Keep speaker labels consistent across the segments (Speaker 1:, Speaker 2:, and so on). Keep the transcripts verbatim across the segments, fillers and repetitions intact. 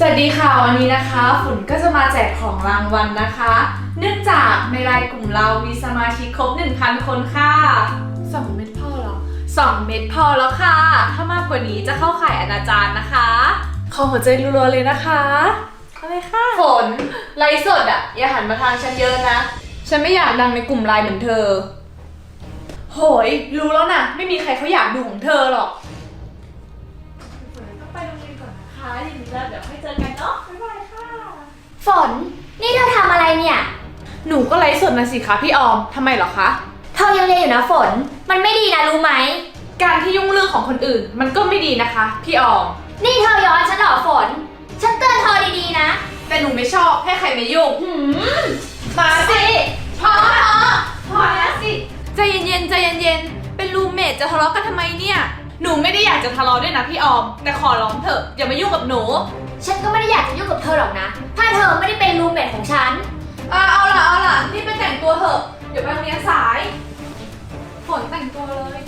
Speaker 1: สวัสดีค่ะวันนี้นะคะฝนก็จะมาแจกของรางวัลนะคะ เนื่องจากในไลน์กลุ่มเรามีสมาชิกครบ หนึ่งพัน คนค่ะสองเม็ดพอเหรอสองเม็ดพอแล้วค่ะถ้ามากกว่านี้จะเข้าข่ายอนาจารนะคะขอหัวใจรัวๆเลยนะคะเอาเลยค่ะฝนไลฟ์สดอ่ะอย่าหันมาทางฉันเยอะนะฉันไม่อยากดังในกลุ่มไลน์เหมือนเธอโหยรู้แล้วนะไม่มีใครเขาอยากดูของเธอหรอกต้องไปโรงเรียนก่อนนะคะอย่างนี้แล้วเดี๋ยวค่อยเจอกันเนาะบ๊ายบายค่ะ
Speaker 2: ฝนนี่เธอทำอะไรเนี่ย
Speaker 1: หนูก็ไลฟ์สดนะสิคะพี่ออมทำไมเหรอคะ
Speaker 2: เธอยังเรียนอยู่นะฝนมันไม่ดีนะรู้ไหม
Speaker 1: การที่ยุ่งเรื่องของคนอื่นมันก็ไม่ดีนะคะพี่ออม
Speaker 2: นี่เธอย้อนฉันเหรอฝนฉันเตือนเธอดีๆนะ
Speaker 1: แต่หนูไม่ชอบให้ใครมายุ่ง
Speaker 2: หืม
Speaker 1: มาสิ
Speaker 2: พอพอ
Speaker 1: พอแล้วสิใจเย็นๆใจเย็นๆเป็นรูมเมทจะทะเลาะกันทำไมเนี่ยหนูไม่ได้อยากจะทะเลาะด้วยนะพี่ออมแต่ขอร้องเถอะอย่ามายุ่งกับหนู
Speaker 2: ฉันก็ไม่ได้อยากจะยุ่งกับเธอหรอกนะถ้าเธอไม่ได้เป็นรูมเมทของฉัน
Speaker 1: อ่าเอาล่ะเอาล่ะนี่ไปแต่งตัวเถอะเดี๋ยวไปโรงเรียนสายฝนแต่งตัวเลย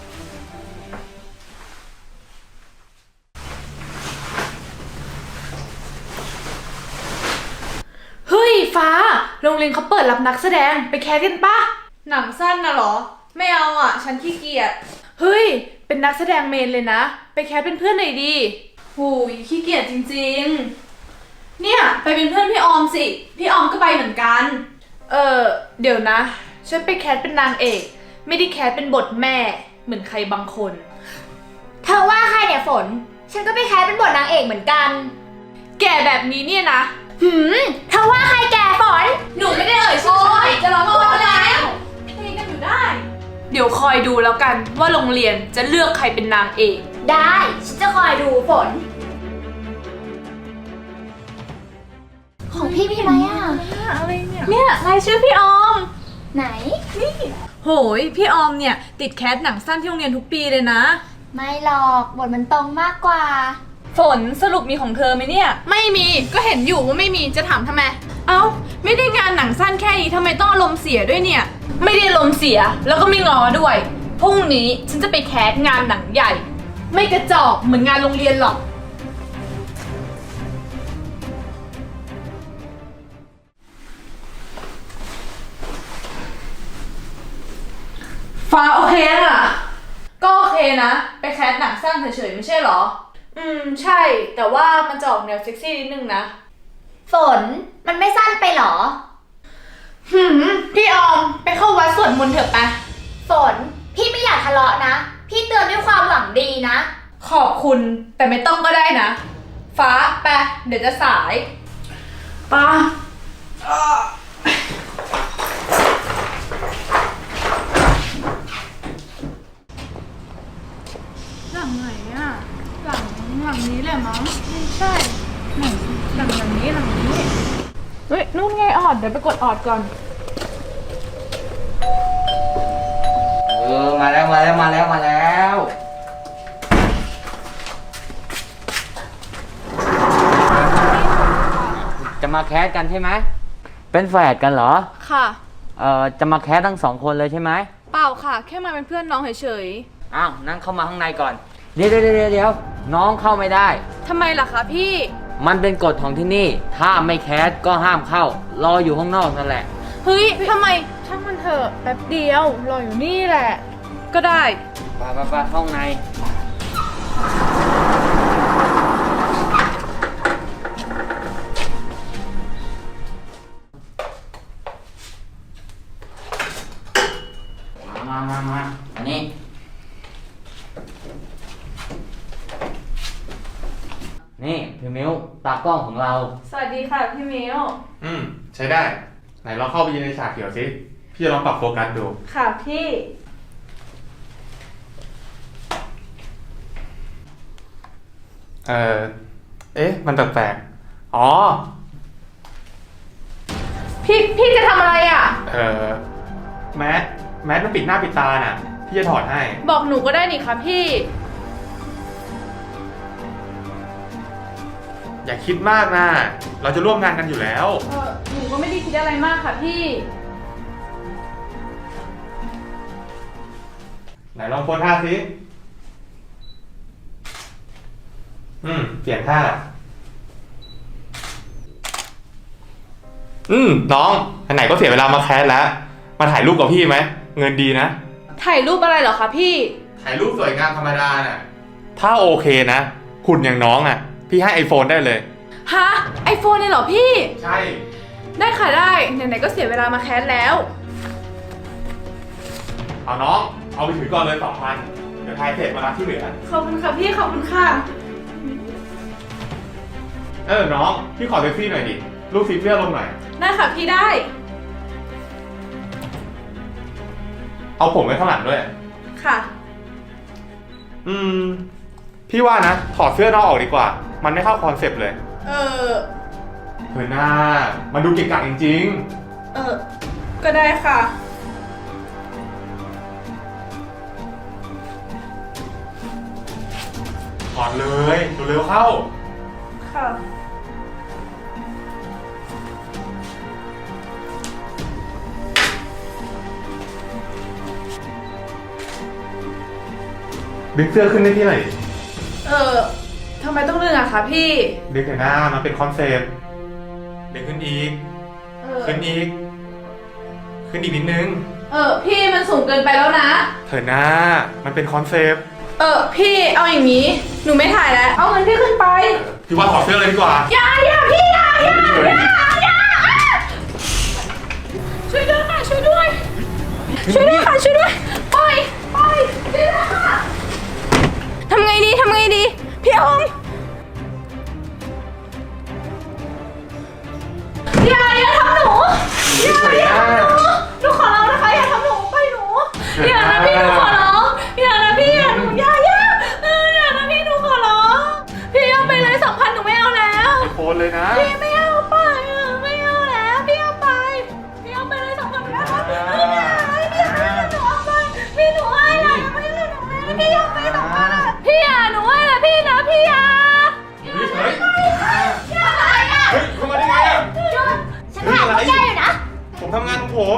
Speaker 1: เฮ้ยฟ้าโรงเรียนเขาเปิดรับนักแสดงไปแคสกันปะหนังสั้นนะเหรอไม่เอาอ่ะฉันขี้เกียจเฮ้ยเป็นนักแสดงเมนเลยนะไปแคสเป็นเพื่อนหน่อยดีหูยขี้เกียจจริงๆเนี่ยไปเป็นเพื่อนพี่ออมสิพี่ออมก็ไปเหมือนกันเออเดี๋ยวนะฉันไปแคสเป็นนางเอกไม่ได้แคสเป็นบทแม่เหมือนใครบางคน
Speaker 2: เธอว่าใครเนี่ยฝนฉันก็ไปแคสเป็นบทนางเอกเหมือนกัน
Speaker 1: แก่แบบนี้เนี่ยนะ
Speaker 2: หืมเธอว่าใครแก่ฝน
Speaker 1: หนูไม่ได้เอ่ยชื่อใครจะร้องโทษแล้วตีกันอยู่ได้เดี๋ยวคอยดูแล้วกันว่าโรงเรียนจะเลือกใครเป็นนางเอก
Speaker 2: ได้ฉันจะคอยดูฝนของพี่มีไหมอ่ะ
Speaker 1: อะไรเนี่ยเนี่ยรายชื่อพี่ออม
Speaker 2: ไหน
Speaker 1: นี่โหยพี่ออมเนี่ยติดแคสหนังสั้นที่โรงเรียนทุกปีเลยนะ
Speaker 2: ไม่หรอกบทมันตรงมากกว่า
Speaker 1: ฝนสรุปมีของเธอไหมเนี่ยไม่มีก็เห็นอยู่ว่าไม่มีจะถามทำไมเอ้าไม่ได้งานหนังสั้นแค่นี้ทำไมต้องอารมณ์เสียด้วยเนี่ยไม่ได้อารมณ์เสียแล้วก็ไม่งอด้วยพรุ่งนี้ฉันจะไปแคสงานหนังใหญ่ไม่กระจอกเหมือนงานโรงเรียนหรอกฟ้าโอเคอ่ะก็โอเคนะไปแคสหนังสั้นเฉยๆไม่ใช่หรออืมใช่แต่ว่ามันจะออกแนวเซ็กซี่นิดนึงนะ
Speaker 2: ฝนมันไม่สั้นไปหรอ
Speaker 1: หืมพี่ออมไปเข้าวัดสวดมนต์เถอะไป
Speaker 2: ฝนพี่ไม่อยากทะเลาะนะพี่เตือนด้วยความหวังดีนะ
Speaker 1: ขอบคุณแต่ไม่ต้องก็ได้นะฟ้าไปเดี๋ยวจะสายป้าหลังไหนอะหลังหลังนี้แหละมั้งไม่ใช่หลังหลังหลังนี้หลังนี้เฮ้ยนู่นไงออดเดี๋ยวไปกดออดก่อน
Speaker 3: เออมาแล้วมาแล้วมาแล้วมาแล้วจะมาแคสกันใช่ไหมเป็นแฝดกันเหรอ
Speaker 1: ค่ะ
Speaker 3: เอ่อจะมาแคสทั้งสองคนเลยใช่ไหม
Speaker 1: เปล่าค่ะแค่มาเป็นเพื่อนน้องเฉย
Speaker 3: ๆอ้าวนั่งเข้ามาข้างในก่อนเดี๋ยวเดี๋ยวเดี๋ยวเดี๋ยวน้องเข้าไม่ได้
Speaker 1: ทำไมล่ะคะพี่
Speaker 3: มันเป็นกฎของที่นี่ถ้าไม่แคสก็ห้ามเข้ารออยู่ข้างนอกนั่นแหละ
Speaker 1: เฮ้ยทำไมช่างมันเถอะแป๊บเดียวรออยู่นี่แหละก็ได้
Speaker 3: ไปไปไปเข้าในมามามาอันนี้นี่พี่มิ้วตากล้องของเรา
Speaker 1: สวัสดีค่ะพี่มิ้ว
Speaker 4: อืมใช้ได้ไหนลองเข้าไปยืนในฉากเขียวสิพี่จะลองปรับโฟกัสดู
Speaker 1: ค่ะพี่
Speaker 4: เออเอ๊ะมันแปลกๆอ๋อ
Speaker 1: พี่พี่จะทำอะไรอ่ะ
Speaker 4: เออแมสแมสมันปิดหน้าปิดตาน่ะพี่จะถอดให้
Speaker 1: บอกหนูก็ได้นี่ค่ะพี่
Speaker 4: อย่าคิดมากนะเราจะร่วมงานกันอยู่แล้ว
Speaker 1: เออหนูก็ไม่ได้คิดอะไรมากค่ะพี่
Speaker 4: ไหนลองโพสท่าสิอืมเปลี่ยนท่าอืมน้องไหนๆก็เสียเวลามาแคสแล้ว มาถ่ายรูปกับพี่ไหมเงินดีนะ
Speaker 1: ถ่ายรูปอะไรเหรอคะพี่
Speaker 4: ถ่ายรูปสวยงามธรรมดาน่ะถ้าโอเคนะหุ่นอย่างน้องอ่ะ พี่ให้ไอโฟนได้เลย
Speaker 1: ฮะไอโฟนเลยเหรอพี่
Speaker 4: ใช่
Speaker 1: ได้ค่ะได้ไหนๆก็เสียเวลามาแคสแล้ว
Speaker 4: เอาน้องเอาไปถือก่อนเลยสองพันเดี๋ยวถ่ายเสร็จมารับที่เหลือ
Speaker 1: ขอบคุณค่ะพี่ขอบคุณค่ะ
Speaker 4: เออน้องพี่ขอเซ็กซี่หน่อยดิรูปสีเสื้อลงหน่อย
Speaker 1: ได้ค่ะพี่ได้
Speaker 4: เอาผมไว้ข้างหลังด้วย
Speaker 1: ค่ะ
Speaker 4: อืม พี่ว่านะถอดเสื้อนอกออกดีกว่า มันไม่เข้าคอนเซปต์เลย
Speaker 1: เออ
Speaker 4: เธอหน้ามันดูเก่งกาจจริง
Speaker 1: เออ ก็ได้ค่ะ
Speaker 4: ๆถอดเลยเร็วๆเข้า
Speaker 1: ค่ะ
Speaker 4: ดึงเสื้อขึ้นได้ที่ไหน
Speaker 1: เออทำไมต้องเลือกอะคะพี่
Speaker 4: ดึงแต่หน้ามันเป็นคอนเซปต์ดึงขึ้นอีก
Speaker 1: เออ
Speaker 4: ขึ้นอีก ขึ้นอีกนิดนึง
Speaker 1: เออพี่มันสูงเกินไปแล้วนะ
Speaker 4: เธอหน้ามันเป็นคอนเซปต์
Speaker 1: เออพี่เอาอย่างนี้ หนูไม่ถ่ายแล้ว เอาเงินพี่ขึ้นไป
Speaker 4: พี่ว่าถอดเสื้อเลยดีกว่า
Speaker 1: อย่าอย่าพี่อย่าอย่า
Speaker 4: เฮ้ย
Speaker 1: อย่าช่วยด้วยค่ะช่วยด้วย ช่วยด้วยค่ะช่วยด้วยปล่อยปล่อยช่วยด้วยค่ะทำไงดีทำไงดี พี่อมอย่าอย่าทำหนูอย่าอย่าทำหนูหนูขอร้องนะคะอย่าทำหนูไปหนูอย่านะพี่หนูขอร้องอย่านะพี่อย่าหนูอย่าอย่าเอออย่านะพี่หนูขอร้องพี่เอาไปเลยสองพันหนูไม่เอาแล้ว
Speaker 4: ไอโฟนเลยนะ
Speaker 1: พี่ไม่เอาไปอ่ะไม่เอาแล้วพี่เอาไปพี่เอาไปเลยสองพันแล้วพี่พี่หนูเอาไปพี่หนูให้นะไม่ให้หนูเลยพี่เอาไปสองพันอ่ะพี่อ่ะหนูให้นะพี่นะพี่อ่ะ
Speaker 4: เฮ้ยเฮ้ย
Speaker 1: อย่าอะไรอ่ะ
Speaker 4: เฮ้ยเข้ามาได้ไงอ่ะ
Speaker 2: ฉันถ่ายไม่ได้อยู่นะ
Speaker 4: ผมทำงานของผม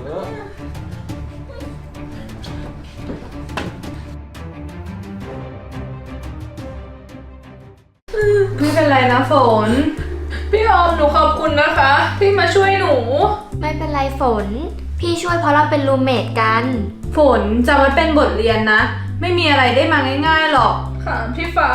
Speaker 1: ไม่เป็นไรนะฝนพี่ออมหนูขอบคุณนะคะที่มาช่วยหนู
Speaker 2: ไม่เป็นไรฝน พี่ช่วยเพราะเราเป็นรูมเมทกัน
Speaker 1: ฝนจำไว้เป็นบทเรียนนะ ไม่มีอะไรได้มาง่ายๆหรอกค่ะพี่ฟ้า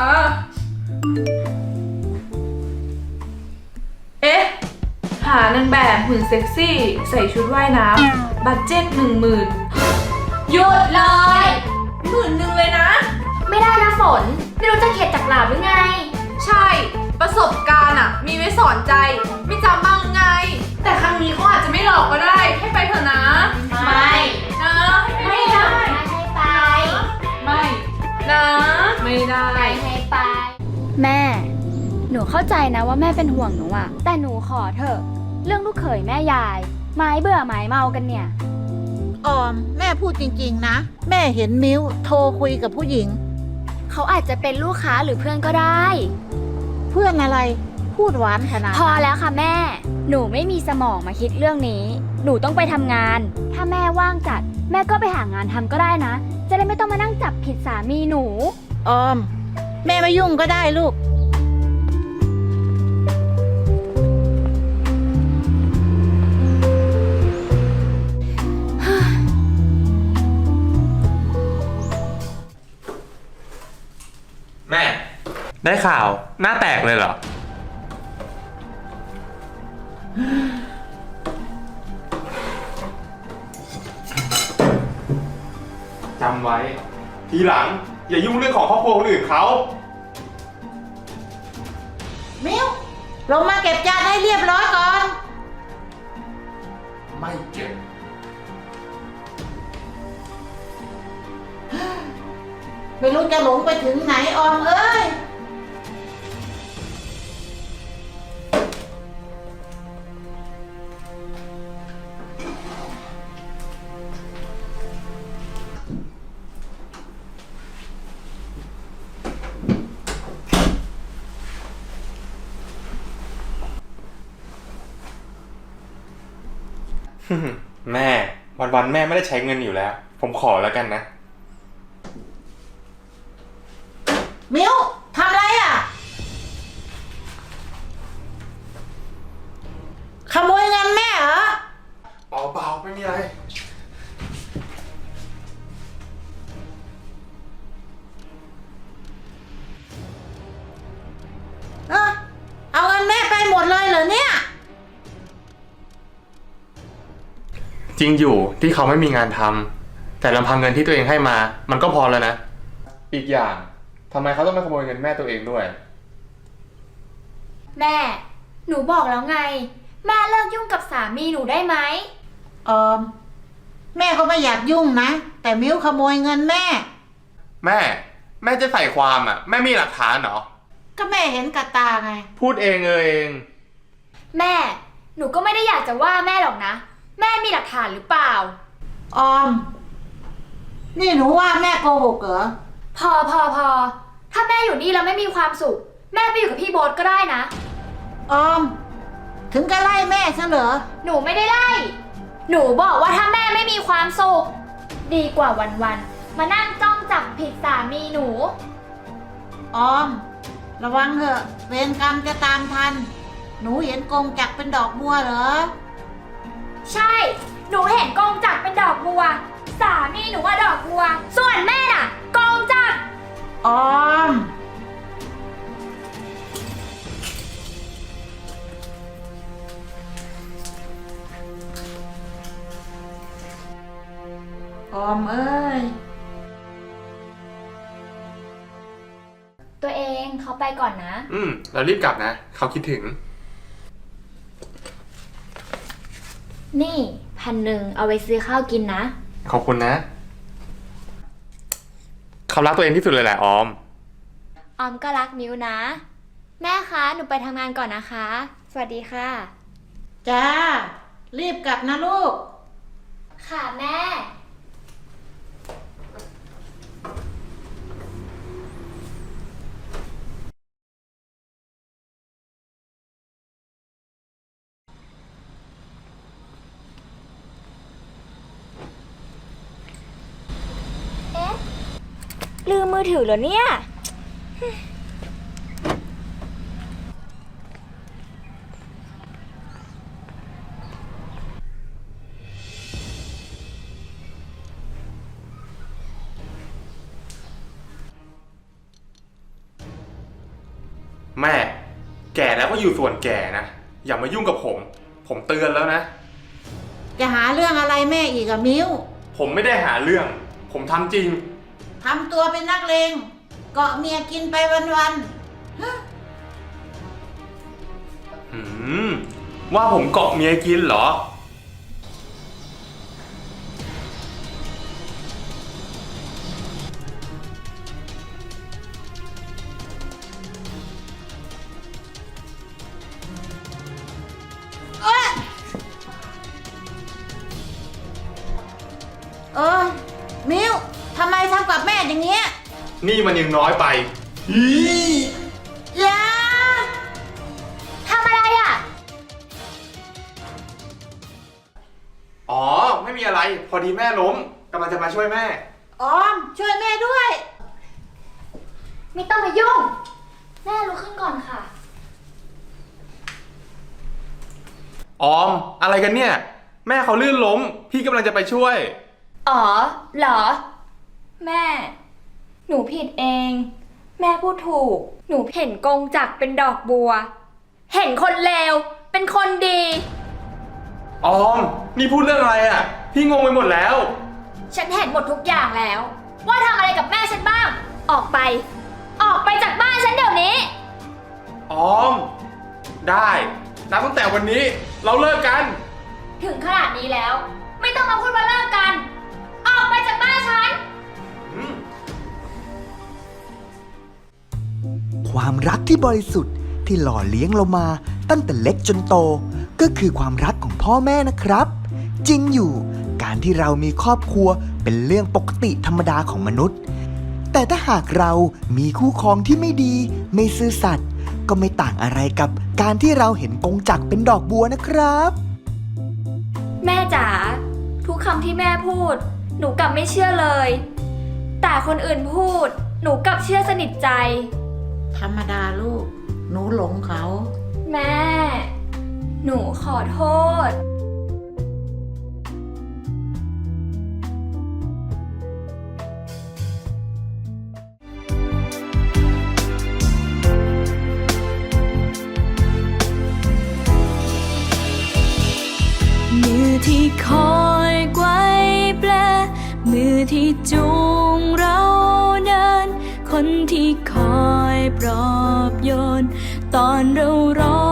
Speaker 1: เอ๊ะ หานางแบบหุ่นเซ็กซี่ ใส่ชุดว่ายน้ำบัตเจ็ตหนึ่งหมื่นหยุดเลยหมื่นหนึ่งเลยนะ
Speaker 2: ไม่ได้นะฝน ไม่รู้จะเข็ดจากหลาบหรือไง
Speaker 1: ใช่ ประสบการณ์อะมีไว้สอนใจ ไม่จำบ้างหรือไง แต่ครั้งนี้เขาอาจจะไม่หลอกก็ได้ ให้ไปเถอะนะ
Speaker 2: ไม่
Speaker 1: นะให้
Speaker 2: ไม่
Speaker 1: ได้
Speaker 2: ได้ให้ไป
Speaker 1: ไม่ นะ ไม่ได้
Speaker 2: ไม่ให้ไป แม่ หนูเข้าใจนะว่าแม่เป็นห่วงหนูอะแต่หนูขอเถอะ เรื่องลูกเขยแม่ยาย ไม้เบื่อไม้เมากันเนี่ย
Speaker 5: ออมแม่พูดจริงๆนะ แม่เห็นมิ้วโทรคุยกับผู้หญิง
Speaker 2: เขาอาจจะเป็นลูกค้าหรือเพื่อนก็ได้
Speaker 5: เพื่อนอะไรพูดหวานขนาด
Speaker 2: พอแล้วค่ะแม่ หนูไม่มีสมองมาคิดเรื่องนี้ หนูต้องไปทำงาน ถ้าแม่ว่างจัด แม่ก็ไปหางานทำก็ได้นะ จะได้ไม่ต้องมานั่งจับผิดสามีหนู
Speaker 5: ออม แม่ไม่ยุ่งก็ได้ลูก
Speaker 4: แม่ ได้ข่าวหน้าแตกเลยเหรอ จำไว้ ทีหลัง อย่ายุ่งเรื่องของครอบครัวคนอื่นเขา
Speaker 5: มิ้วลงมาเก็บจานให้เรียบร้อยก่อน
Speaker 4: ไม่เก็บ
Speaker 5: ไม่รู้จะหลงไปถึงไหนออมเอ้ย
Speaker 4: แม่ วันๆแม่ไม่ได้ใช้เงินอยู่แล้ว ผมขอแล้วกันนะ
Speaker 5: มิ้วทำอะไรอ่ะ ขโมยเงินแม่
Speaker 4: มีอะไร
Speaker 5: เออเอาเงินแม่ไปหมดเลยเหรอเนี่ย
Speaker 4: จริงอยู่ที่เขาไม่มีงานทำแต่ลำพังเงินที่ตัวเองให้มา มันก็พอแล้วนะ อีกอย่างทำไมเขาต้องมาขโมยเงินแม่ตัวเองด้วย
Speaker 2: แม่ หนูบอกแล้วไง แม่เลิกยุ่งกับสามีหนูได้ไหม
Speaker 5: ออม แม่ก็ไม่อยากยุ่งนะ แต่มิ้วขโมยเงินแม่
Speaker 4: แม่ แม่จะใส่ความอ่ะ แม่มีหลักฐานเหรอ
Speaker 5: ก็แม่เห็นกับตาไง
Speaker 4: พูดเองเออเอง
Speaker 2: แม่ หนูก็ไม่ได้อยากจะว่าแม่หรอกนะ แม่มีหลักฐานหรือเปล่า
Speaker 5: ออม นี่หนูว่าแม่โกหกเหรอ
Speaker 2: พอพอพอ ถ้าแม่อยู่นี่แล้วไม่มีความสุข แม่ไปอยู่กับพี่โบ๊ทก็ได้นะ
Speaker 5: ออม ถึงก็ไล่แม่ซะเหรอ
Speaker 2: หนูไม่ได้ไล่ หนูบอกว่าถ้าแม่ไม่มีความสุข ดีกว่าวันๆ มานั่งจ้องจับผิดสามีหนู
Speaker 5: ออม ระวังเถอะเวรกรรมจะตามทัน หนูเห็นกงจักรเป็นดอกบัวเหรอ
Speaker 2: ใช่ หนูเห็นกองจักรเป็นดอกบัว สามีหนูว่าดอกบัว ส่วนแม่น่ะกองจักร
Speaker 5: ออม ออมเอ้ย
Speaker 2: ตัวเองเขาไปก่อนนะ
Speaker 4: อืม เรารีบกลับนะ เขาคิดถึง
Speaker 2: นี่พันหนึ่งเอาไว้ซื้อข้าวกินนะ
Speaker 4: ขอบคุณนะ เขารักตัวเองที่สุดเลยแหละออม
Speaker 2: ออมก็รักมิวนะ แม่คะ หนูไปทำงานก่อนนะคะ สวัสดีค่ะ
Speaker 5: จ้า รีบกลับนะลูก
Speaker 2: ค่ะแม่ เอ๊ะ ลืมมือถือเหรอเนี่ย
Speaker 4: แม่ แก่แล้วก็อยู่ส่วนแก่นะ อย่ามายุ่งกับผม ผมเตือนแล้วนะ
Speaker 5: จะหาเรื่องอะไรแม่อีกอะมิ้ว
Speaker 4: ผมไม่ได้หาเรื่อง ผมทำจริง
Speaker 5: ทำตัวเป็นนักเลงเกาะเมียกินไปวันๆฮะ
Speaker 4: หืม ว่าผมเกาะเมียกินเหรอ
Speaker 5: เออ มิ้วทำไมทำกับแม่อย่างเงี้ย
Speaker 4: นี่มันยังน้อยไปอี
Speaker 5: อย่า
Speaker 2: ทำอะไรอ่ะ
Speaker 4: อ๋อ ไม่มีอะไร พอดีแม่ล้มกำลังจะมาช่วยแม่
Speaker 5: ออม ช่วยแม่ด้วย
Speaker 2: ไม่ต้องมายุ่ง แม่ลุกขึ้นก่อนค่ะ
Speaker 4: ออม อะไรกันเนี่ย แม่เขาลื่นล้ม พี่กำลังจะไปช่วย
Speaker 2: อ๋อ เหรอ แม่ หนูผิดเอง แม่พูดถูก หนูเห็นกงจักรเป็นดอกบัว เห็นคนเลว เป็นคนดี
Speaker 4: ออม นี่พูดเรื่องอะไรอ่ะ พี่งงไปหมดแล้ว
Speaker 2: ฉันเห็นหมดทุกอย่างแล้ว ว่าทำอะไรกับแม่ฉันบ้าง ออกไป ออกไปจากบ้านฉันเดี๋ยวนี้
Speaker 4: ออม ได้นับตั้งแต่วันนี้เราเลิกกัน
Speaker 2: ถึงขนาดนี้แล้ว ไม่ต้องมาพูดว่าเลิกกัน ออกไปจากบ้านฉัน
Speaker 4: อืม
Speaker 6: ความรักที่บริสุทธิ์ที่หล่อเลี้ยงเรามาตั้งแต่เล็กจนโต ก็คือความรักของพ่อแม่นะครับ จริงอยู่การที่เรามีครอบครัวเป็นเรื่องปกติธรรมดาของมนุษย์ แต่ถ้าหากเรามีคู่ครองที่ไม่ดีไม่ซื่อสัตย์ก็ไม่ต่างอะไรกับการที่เราเห็นกงจักรเป็นดอกบัวนะครับ
Speaker 2: แม่จ๋าทุกคำที่แม่พูด หนูกลับไม่เชื่อเลย แต่คนอื่นพูด หนูกลับเชื่อสนิทใจ
Speaker 5: ธรรมดาลูก หนูหลงเขา
Speaker 2: แม่ หนูขอโทษ
Speaker 7: ที่คอยไกวแปลมือที่จูงเราเดินคนที่คอยปลอบโยนตอนเราร้อง